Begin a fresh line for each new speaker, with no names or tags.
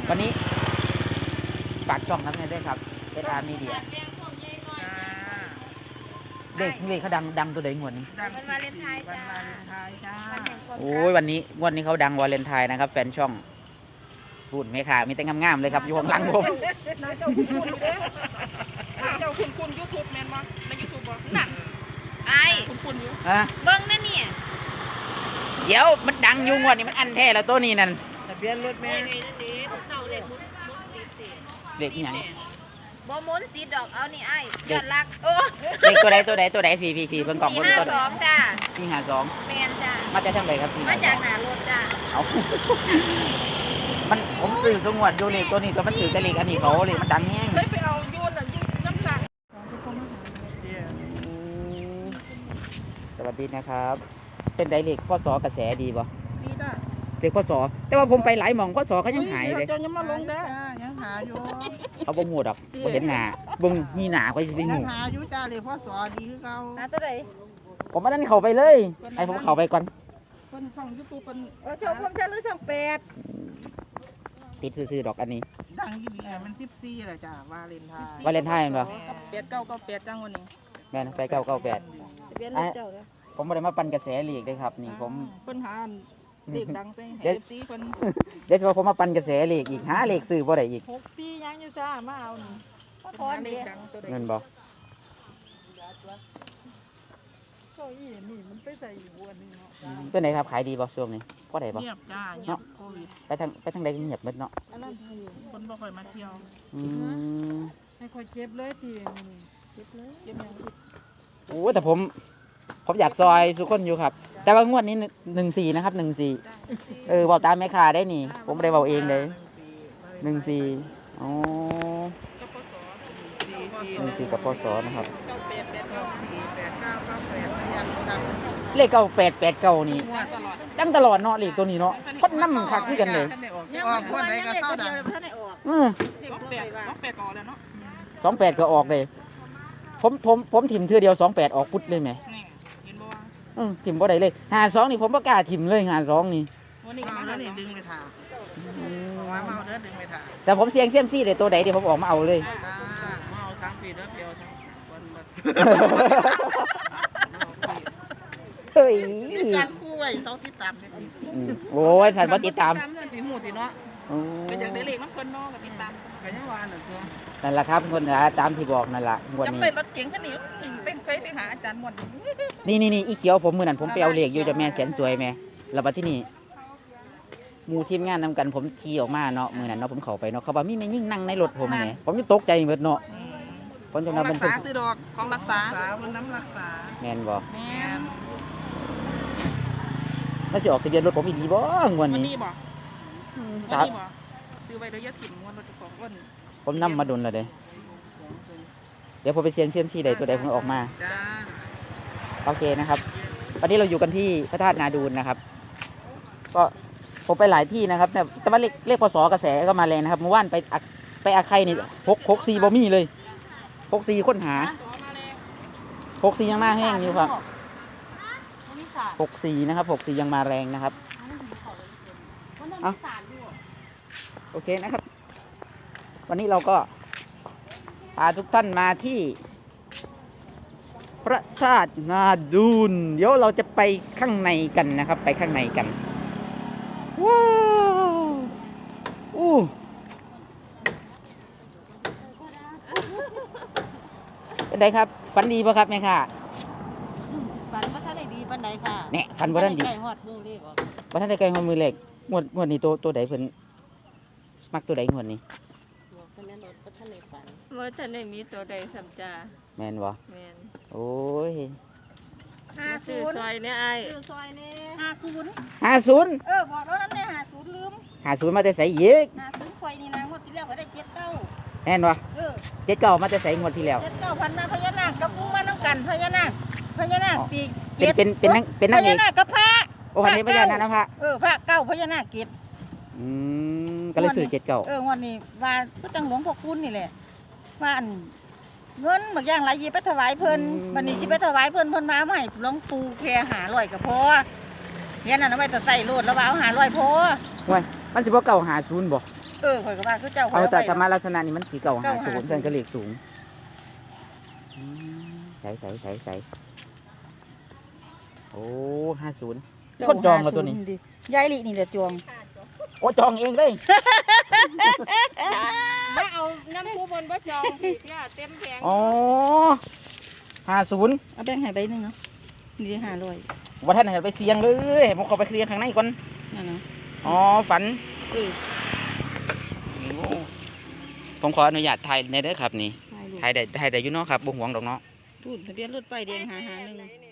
วันนี้ฝากช่องทั้งนี้ด้วยครับSR Media เด็กเขาดังตัวใดงวดนี้
วันวาเลนไทน์จ้า
โอ้ยวันนี้เขาดังวาเลนไทน์นะครับแฟนช่องพูดไหมค่ะมีแต่งามๆเลยครับอยู่ข้างหลังผม
น้าเจ้าคุณเด้เจ้าคุณยูทูบแมนบ่ในยูทูบบ่นั่นไอ้คุณอยู่เบิ้งนั่นเนี่ย
เดี๋ยวมันดังอยู่งวดนี้มันอันแท้แล้วตัวนี้นั่น
ทะเบียนรถแม่เสาเหล็กมุด
เด็กอย่าง
บ่มุนสีดอกเอานี่ไอ้ยอดรักโอ้
เด็กตัวใดพี่เพิ่งกล่อง
452จ้า
452
แมนจ้า
มาจากทางไหนครับพี่
มาจากหน้ารถจ้า
เอามันผมซื้อสงวดอยู่เลขตัวนี้ก็มันถือแต่เลขอันนี้เขาเลขมันดังแห้ง
เคยไปเอายูนน้ำสั่ง
สวัสดีนะครับเป็นไดเลขพ่อสอกระแสดีป่ะ
ดีจ้า
เลขพ่อสอแต่ว่าผมไปหลายหม่องพ่อสอเขายังหายเลย
ยังมาลงได้ยังหาอยู่
เขาบ่งูดอกบ่เห็นหน้าเบิ่งมีหน้าก็สิไปงู
ยังหาอยู่จ้าเลยพ่อสอดีคือเก่าหาตัวใด
ผมมาตั้งเข้าไปเลยให้ผมเข้าไปก่อน
คนช่อง YouTube เป็นช่องผมจะหรือช่อง8
ติดซื่อๆดอกอันนี้
ดังอยู่นี่มัน14แหละจ้าวาเลนไทน์
เหรอ
8998จังวันนี้
แม่นไป998ผมบ่ได้มาปั่นกระแสลีกเด้ครับนี่ผม
ปัญหาเลขดังใส่ให้ FC เพิ่น
เดี๋ยวผมมาปั่นกระแสเลขอีกหาเลขซื้อบ่ได้อีก
64ยังอยู่จ้ามาเอานี่พอเลขดังตัวใด
เงินบ่
ก็อีนี่มันไปใส่อยู่อันนี้เนาะ
เป็นไหนครับขายดีบ่ช่วงนี้พอได้บ่
เงียบจ้าเงียบโควิด
ไปทางใดเงียบหมดเนาะ
อันนั้นคนบ่ค่อยมาเที่ยวให้ค่อยเก็บเลยทีเก็บเลยเก็บหยัง
โอ้แต่ผมอยากซอยทุกคนอยู่ครับแต่ว่างวดนี้14นะครับ14เว้าตามแม่ค้าได้นี่ผมบ่ได้เว้าเองเลย14อ๋อ14กับพศนะครับเลข9889นี่ดังตลอดเนาะเลขตัวนี้เนาะคนนำคักคือกันเลย
ออกคนใดก็เศร้าดัง28ออกแล้วเนาะ
28ก็ออกเลยผมถิ่มเทื่อเดียว28ออกปุ๊ดเลยแหมถิ่มบ่ได้เลย52นี่ผมบ่กล้าถิ่มเลย52นี่
วันนี้มาแล้วนี่ดึงไปถ่าว่ามาเอาเด้อดึงไปถ่า
แต่ผมเสี่ยงเซียมซี่ได้ตัวใดเดี๋ยวผมออกมาเอาเลย
มาเอาทั้งปีเด้อเปียวทั้งวัน
เฮ้ย
การคู่ไว้เซาติดตามเด้
โอ้ยท่านบ่ติดตาม
สิหูติเนาะก็อยากได้เลขมันเพิ่นเนาะก็ติดตามก็ยังว่านั่นตัว
นั่นล่ะครับคนตามที่บอกนั่นล่ะงวดนี้
จำเป็นรถเก๋งคันนี้เป็นไปหาอาจารย์หมด
นี่อีเขียวผมมื้อนั้นผมไปเอาเลขอยู่จะแม่แสนสวยแม่แล้วบัดที่นี่หมู่ทีมงานนำกันผมขี่ออกมาเนาะมื้อนั้นเนาะผมเข้าไปเนาะเขาว่ามีแม่ยิ่งนั่งในรถผมแหมผมยังตกใจหมดเนาะผมจังว่ามัน
เป็นซื้อดอกของรักษามันน้ำรักษา
แม่นบ่
แม่น
แล้วสิออกทะเบียนรถผมอีกดีบ่งวดนี้
บ่ซื้อไว้โดยยะถิ่นงวดรถเจ้าของอ้น
ผมนำมาดนแล้วเด้เดี๋ยวผมไปเสี่ยงเซียมซี่ใดตัวใดผมออกมาโอเคนะครับวันนี้เราอยู่กันที่พระธาตุนาดูนนะครับก็ผมไปหลายที่นะครับแต่ว่าเลขพศกระแสก็มาแรงนะครับเมื่อวานไปอาไข่นี่64บ่มีเลย64ค้นหา64ยังมาแห้งอยู่ครับ64นะครับ64ยังมาแรงนะครับโอเคนะครับวันนี้เราก็พาทุกท่านมาที่พระธาตุนาดูนเดี๋ยวเราจะไปข้างในกันนะครับไปข้างในกันว้าวเป็นไงครับฝันดีป่ะครับแม่ค่ะ
ฝันว่าท่านไหนดีปันไหนค่ะ
เนี่ยฝันว่าท่านดี
ไก่หอดมือเลข
ว่าท่านได้ไก่หอดมือเลขงวดนี้ตัวใดเพิ่นมักตัวใดงวดนี้
ว่าท่านไหนมีตัวใดสัมจา
แมนบ่
แมน
โอ้ย
50ซอยเนี่ยไอ้ซอยเนี่ย
50
บอกแล้วนั่นเนี่ย50ลืม
50มาแต่ใส่อีก
50ข่อยนี่นะงวดที่แล้วก็ได้79
แม่นบ่79มาแต่ใส่งวดที่แล้ว
79พันมาพญานาคกับปูมาน้ำกันพญานาคปี
เป็นนางเอก
พญานาคกับพระ
โอ้คันนี้พญานาคนะพระ
พระเก้าพญานาคเกศ
ก็เลยซื้อ
79งวดนี้ว่าก็จังหลวงพ่อคุณนี่แหละว่าอันเงินบางอย่างหลายยีไปถวายเพิ่นวันนี้สิไปถวายเพิ่นมาเอาให้หลวงปู่แค่500ก็พอเฮียนั่นเอาไว้แต่ใส่โลดแล้วว่าเอา500พอ
ว้ยมันสิบ่เก่า50บ่
ข่อยก็ว่าคือเจ้าข่
เอา
ย
แต่
ไว้
ธรรมะลักษณะนี้มันสีเก่าหาศูนย์
950
เพื่อนก็เลขสูงใส่โอ้50คนจองแล้วตัวนี้
ดิยายลินี่แหละจอง
โอ้จองเองเลย
มาเอาน้ำผู้บนบ่จองพี่เต็มแผง
อ๋อ50
เอาแบ่งให้ใบหนึงเนาะนี่500
ว่าท่านเห็นไปเสียงเลยผมขอไปเคลียร์ข้างในก่อน
นั่นเนาะ
อ๋อฝัน
เออ
ผมขออนุญาตถ่ายในเด้อครับนี่
ถ่ายรูป
ถ่ายได้อยู่เนาะครับบ่ห่วงดอกเนาะ
พูดทะเบียนรถป้ายแดง551